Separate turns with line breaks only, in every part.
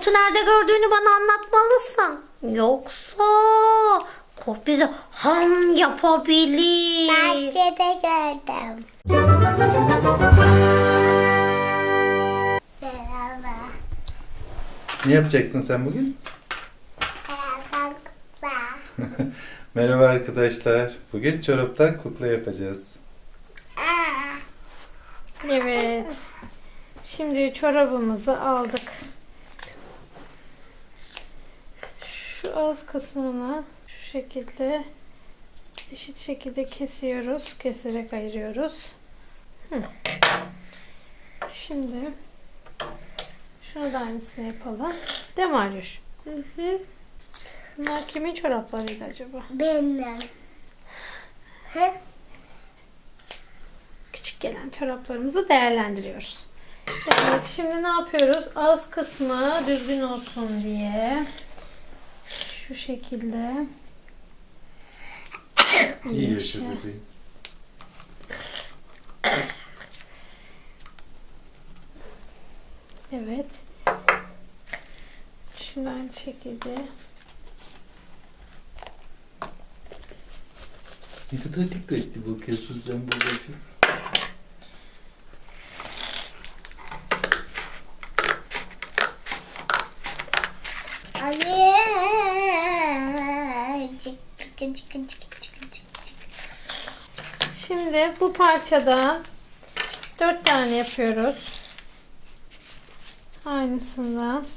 kurtu nerede gördüğünü bana anlatmalısın. Yoksa kurt bizi ham yapabilir.
Bahçede gördüm. Merhaba.
Ne yapacaksın sen bugün?
Çoraptan kutla.
Merhaba arkadaşlar. Bugün çoraptan kukla yapacağız.
Evet. Şimdi çorabımızı aldık. Şu ağız kısmını şu şekilde eşit şekilde kesiyoruz. Keserek ayırıyoruz. Şimdi şunu da aynısını yapalım. Değil mi Aryuş? Bunlar kimin çoraplarıydı acaba?
Benim.
Küçük gelen çoraplarımızı değerlendiriyoruz. Evet, şimdi ne yapıyoruz? Ağız kısmı düzgün olsun diye şu şekilde
İyi yaşa bebeğim.
evet. Şimdi aynı şekilde
Ne kadar dikkatli bakıyorsun sen babacığım.
Anne.
şimdi bu parçadan 4 tane yapıyoruz. Aynısından.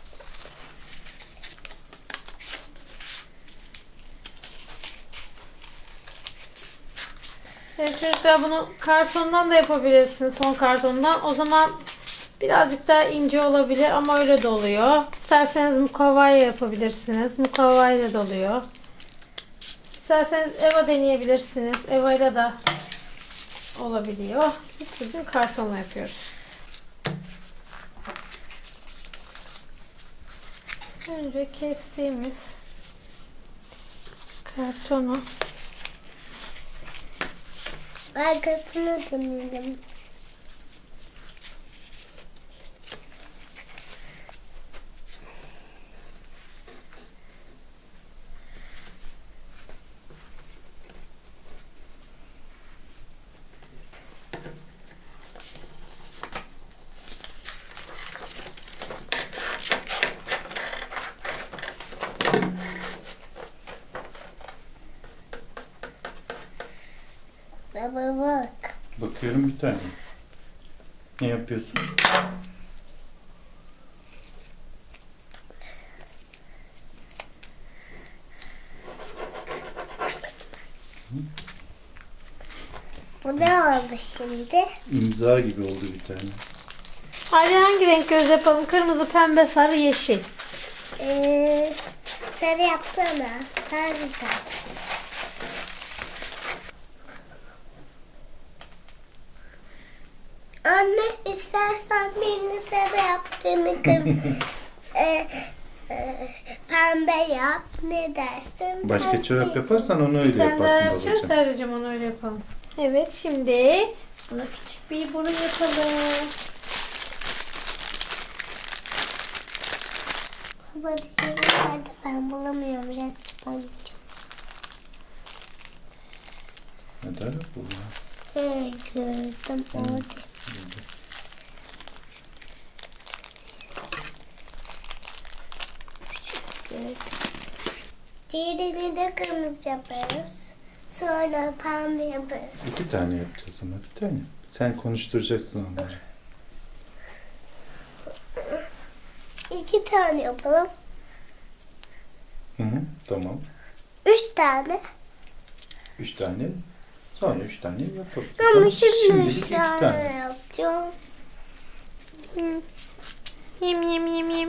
Evet çocuklar, bunu kartondan da yapabilirsiniz, son kartondan. O zaman birazcık daha ince olabilir ama öyle de oluyor. İsterseniz mukavvayla yapabilirsiniz. Mukavvayla da oluyor. İsterseniz eva deneyebilirsiniz. Eva'yla da olabiliyor. Biz bugün kartonla yapıyoruz. Önce kestiğimiz kartonu
Arkasını dönelim. Baba bak.
Bakıyorum bir tane. Ne yapıyorsun?
Bu ne oldu şimdi?
İmza gibi oldu bir tane.
Hadi hangi renk göz yapalım? Kırmızı, pembe, sarı, yeşil.
Sarı yapsana. Sarı yap. Anne istersen birini sarı yaptığını pembe yap. Ne dersin?
Başka
Pembe.
çorap yaparsan onu
Bir
öyle
tane daha
yaparsın
yapacağız.
babacığım.
Sadece onu öyle yapalım. Evet, şimdi buna küçük bir burun yapalım.
Baba diğeri nerede? Ben bulamıyorum. Resmi oynayacağım.
Neden yok bu ya?
Gördüm orada. Gördüm. Diğerini de kırmızı yaparız. Sonra pembe yaparız.
2 tane yapacağız ama bir tane. Sen konuşturacaksın onları.
2 tane yapalım.
Hı hı, tamam.
3 tane.
3 tane. Sonra 3 tane yapalım.
Ama şimdi
Şimdilik
3
iki
tane yapacağım.
Yem yem yem yem.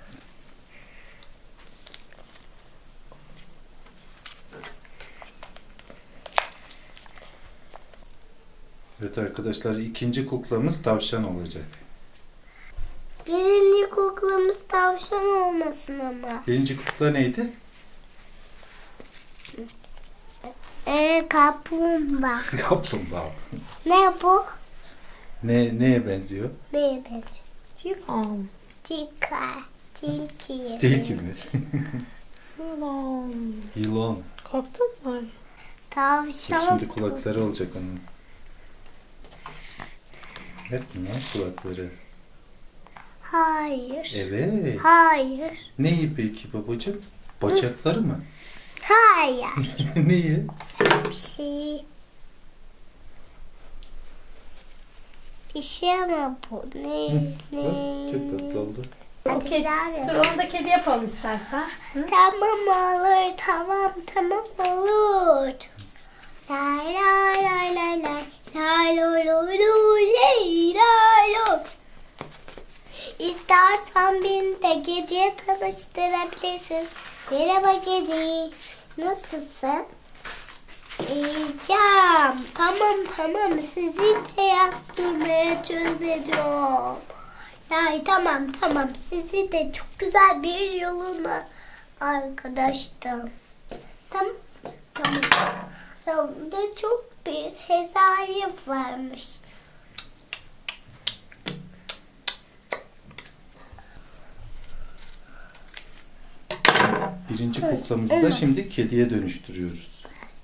Evet arkadaşlar, ikinci kuklamız tavşan olacak.
Birinci kuklamız tavşan olmasın ama.
Birinci kukla neydi?
Kaplumbağa.
Kaplumbağa.
Ne bu?
Neye benziyor?
Neye benziyor?
Am.
Dikkat. Tilki.
Tilki mi?
Ulan.
Yılan.
Korktun mu?
Tavşan.
Şimdi kulakları olacak onun. Evet bunlar kulakları.
Hayır.
Evet.
Hayır.
Neyi peki babacığım? Bacakları mı?
Hayır.
Neyi?
Bir şey. Bir şey ama bu. Ne?
Bak, çok tatlı oldu.
Hadi
Okey.
bir daha yap.
Dur onu da kedi yapalım istersen. Hı?
Tamam olur. Tamam olur. Lay lay lay lay lay. Lay lo lo lo lay lay lo. İstersen beni de kediye tanıştırabilirsin. Merhaba kedi. Nasılsın? İyiyim. Tamam. Sizi de yaptırmaya çözeceğim. Ay tamam. Sizi de çok güzel bir yoluna arkadaştım. Tamam. Yolda çok bir hesayı varmış.
Birinci kuklamızı da şimdi kediye dönüştürüyoruz.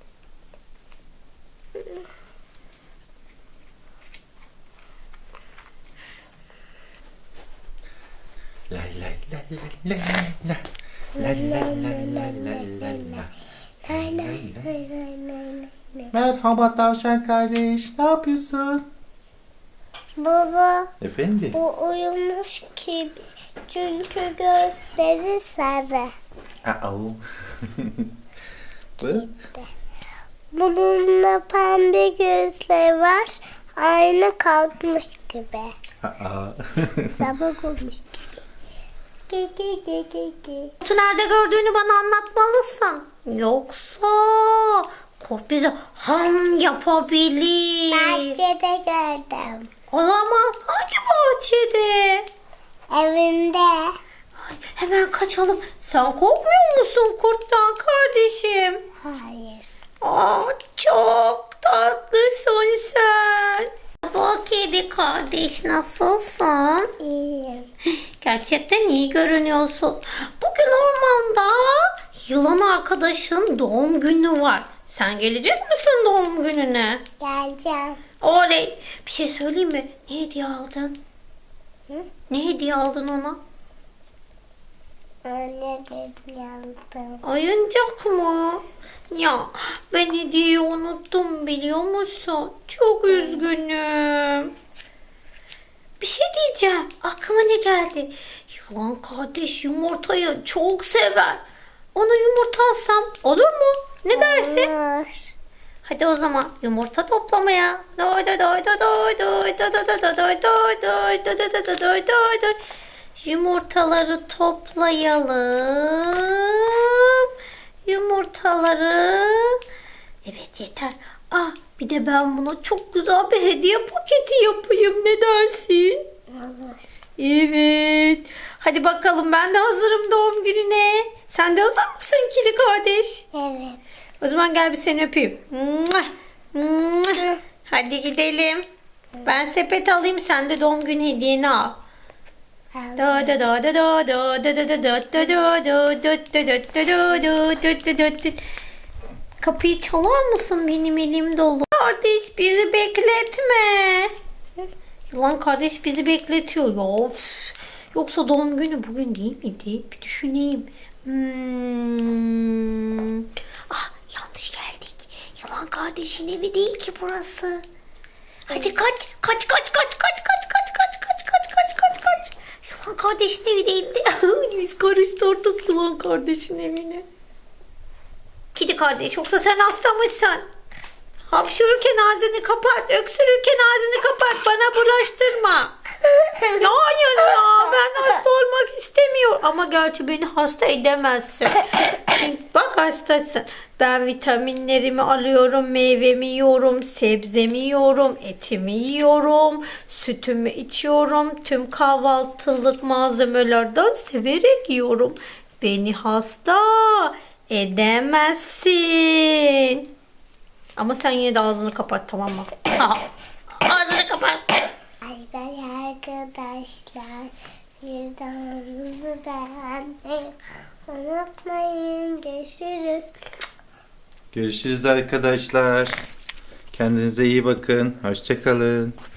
Lay lay lay lay lay lay lay lay lay lay lay. Merhaba tavşan kardeş, ne yapıyorsun?
Baba
Efendim?
bu uyumuş gibi çünkü gözleri sarı.
Bu?
Bununla pembe gözleri var. Aynı kalkmış gibi. Sabah olmuş gibi.
Kurtu nerede gördüğünü bana anlatmalısın. Yoksa kurt bizi ham yapabilir.
Bahçede gördüm.
Olamaz. Hangi bahçede?
Evimde.
Ay, hemen kaçalım. Sen korkmuyor musun kurttan kardeşim?
Hayır.
Aa, çok tatlısın sen. Bu kedi kardeş nasılsın?
İyiyim.
Gerçekten iyi görünüyorsun. Bugün ormanda yılan arkadaşın doğum günü var. Sen gelecek misin doğum gününe?
Geleceğim.
Oley. Bir şey söyleyeyim mi? Ne hediye aldın?
Hı?
Ne hediye aldın ona?
Anne dedim yandım.
Oyuncak mı? Ya ben hediyeyi unuttum biliyor musun? Çok üzgünüm. Bir şey diyeceğim. Aklıma ne geldi? Yılan kardeş yumurtayı çok sever. Ona yumurta alsam olur mu? Ne dersin?
Olur.
Hadi o zaman yumurta toplamaya. Doy doy doy doy doy doy doy doy doy doy doy doy doy doy doy doy doy doy doy. Yumurtaları toplayalım. Yumurtaları. Evet yeter. Ah bir de ben buna çok güzel bir hediye paketi yapayım. Ne dersin?
Olur.
Evet. Hadi bakalım ben de hazırım doğum gününe. Sen de hazır mısın kedi kardeş?
Evet.
O zaman gel bir seni öpeyim. Mua, mua. Hadi gidelim. Ben sepet alayım sen de doğum günü hediyeni al. Da da da da da da da da da da da da da da. Kapıyı çalar mısın? Benim elim dolu. Kardeş bizi bekletme. Yılan kardeş bizi bekletiyor. Ya, of. Yoksa doğum günü bugün değil miydi? Bir düşüneyim. Ah yanlış geldik. Yılan kardeşin evi değil ki burası. Hadi kaç. Kaç. Yılan kardeşin evi değildi. Biz karıştırdık yılan kardeşin evini. Kedi kardeş yoksa sen hasta mısın? Hapşururken ağzını kapat. Öksürürken ağzını kapat. Bana bulaştırma. Ya hayır ya. Ben hasta olmak istemiyorum. Ama gerçi beni hasta edemezsin. Çünkü bak hastasın. Ben vitaminlerimi alıyorum. Meyvemi yiyorum. Sebzemi yiyorum. Etimi yiyorum. Sütümü içiyorum. Tüm kahvaltılık malzemelerden severek yiyorum. Beni hasta edemezsin. Ama sen yine de ağzını kapat tamam mı? Ağzını kapat.
Ay ben arkadaşlar Videomuzu beğenmeyi unutmayın. Görüşürüz.
Görüşürüz arkadaşlar. Kendinize iyi bakın. Hoşça kalın.